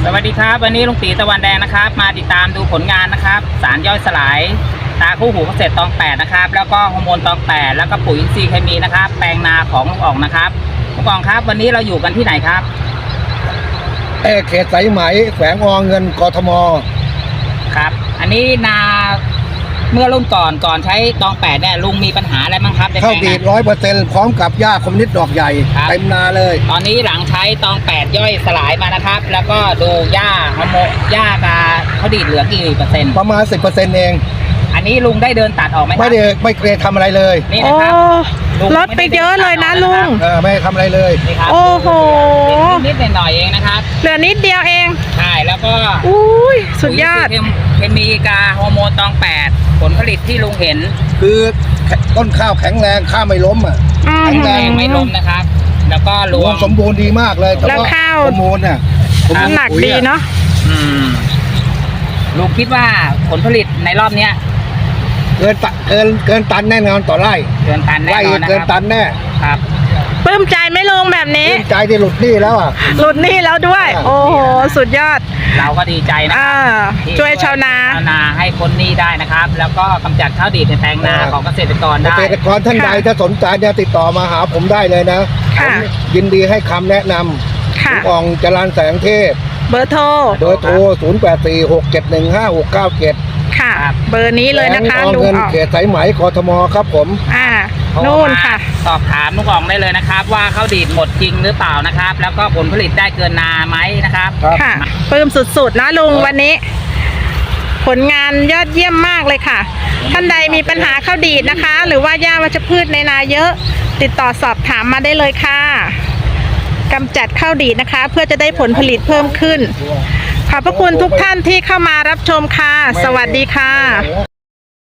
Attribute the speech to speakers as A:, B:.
A: สวัสดีครับวันนี้ลุงตีตะวันแดงนะครับมาติดตามดูผลงานนะครับสารย่อยสลายตาคู่หูเกษตรตอง8นะครับแล้วก็ฮอร์โมนตอง8แล้วก็ปุ๋ยอินทรีย์เคมีนะครับแปลงนาของลุงอ่องนะครับลุงอ่องครับวันนี้เราอยู่กันที่ไหนครับ
B: เขตสายไหมแขวงอเงินกทม
A: ครับอันนี้นาเมื่อรุ่นก่อนใช้ตอง8เนี่ยลุงมีปัญหาอะไรบ้างครับ
B: เข้าดี100%พร้อมกับหญ้าคมนิดดอกใหญ่เต็มนาเลย
A: ตอนนี้หลังใช้ตอง8ย่อยสลายมานะครับแล้วก็ดูหญ้าฮอร์โมนหญ้ากับเขาดีดเหลือกี่เปอร์เซ็นต์
B: ประมาณ 10% เอง
A: อันนี้ลุงได้เดินตัดออกไหม
B: ไม่เคยทำอะไรเลย
A: นี่นะครับ
C: ลดไปเยอะเลยนะลุง
B: ไม่ทำอะไรเลย
A: นี่ครับ
C: โอ้โห
A: นิดหน่อยเองนะครับ
C: เหลือนิดเดียวเอง
A: ใช่แล้วก็
C: อุ้ยสุดยอด
A: เคมีกาฮอร์โมนตอง8ผลผลิตที่ลุงเห็น
B: คือต้นข้าวแข็งแรงข้าวไม่ล้ม
A: แข็งแรงไม่ล้มนะครับแล้วก็รวม
B: สมบูรณ์ดีมากเลย
C: แล้วข้าว
B: ฮอร์โมน
C: น้ำหนักดีเนาะ
A: ลุงคิดว่าผลผลิตในรอบเนี้ย
B: เกินตันแน่นอนต่อไร่
A: เกินตันแน่นอนนะครับ
B: เกินตันแน่
A: ครับ
C: ปลื้มใจไหมลุงแบบนี้
B: ปลื้มใจที่หลุดหนี้แล้ว
C: หลุดหนี้แล้วด้วยโอ้โหสุดยอด
A: เราก็ดีใจนะ
C: ช่วยชาวนา
A: ให้พ้นหนี้ได้นะครับแล้วก็กำจัดข้าวดีดในแปลงนาของเกษตรกรได้
B: เกษตรกรท่านใดถ้าสนใจจะติดต่อมาหาผมได้เลยนะยินดีให้คำแนะนำลุงอ่องจรัญแสงเทพ
C: เบอร์โทร
B: 0846715697
C: ค่ะเบอร์นี้เลยนะคะ
B: ลุงอ่องเขตสายไหมกทมครับผม
C: นู่นค่ะ
A: สอบถามลุงอ่องได้เลยนะครับว่าข้าวดีดหมดจริงหรือเปล่านะครับแล้วก็ผลผลิตได้เกินนาไหมนะครับ
C: ค่ะปลื้มสุดๆนะลุงวันนี้ผลงานยอดเยี่ยมมากเลยค่ะท่านใดมีปัญหาข้าวดีดนะคะหรือว่าหญ้าวัชพืชในนาเยอะติดต่อสอบถามมาได้เลยค่ะกำจัดข้าวดีดนะคะเพื่อจะได้ผลผลิตเพิ่มขึ้นขอบพระคุณทุกท่านที่เข้ามารับชมค่ะสวัสดีค่ะ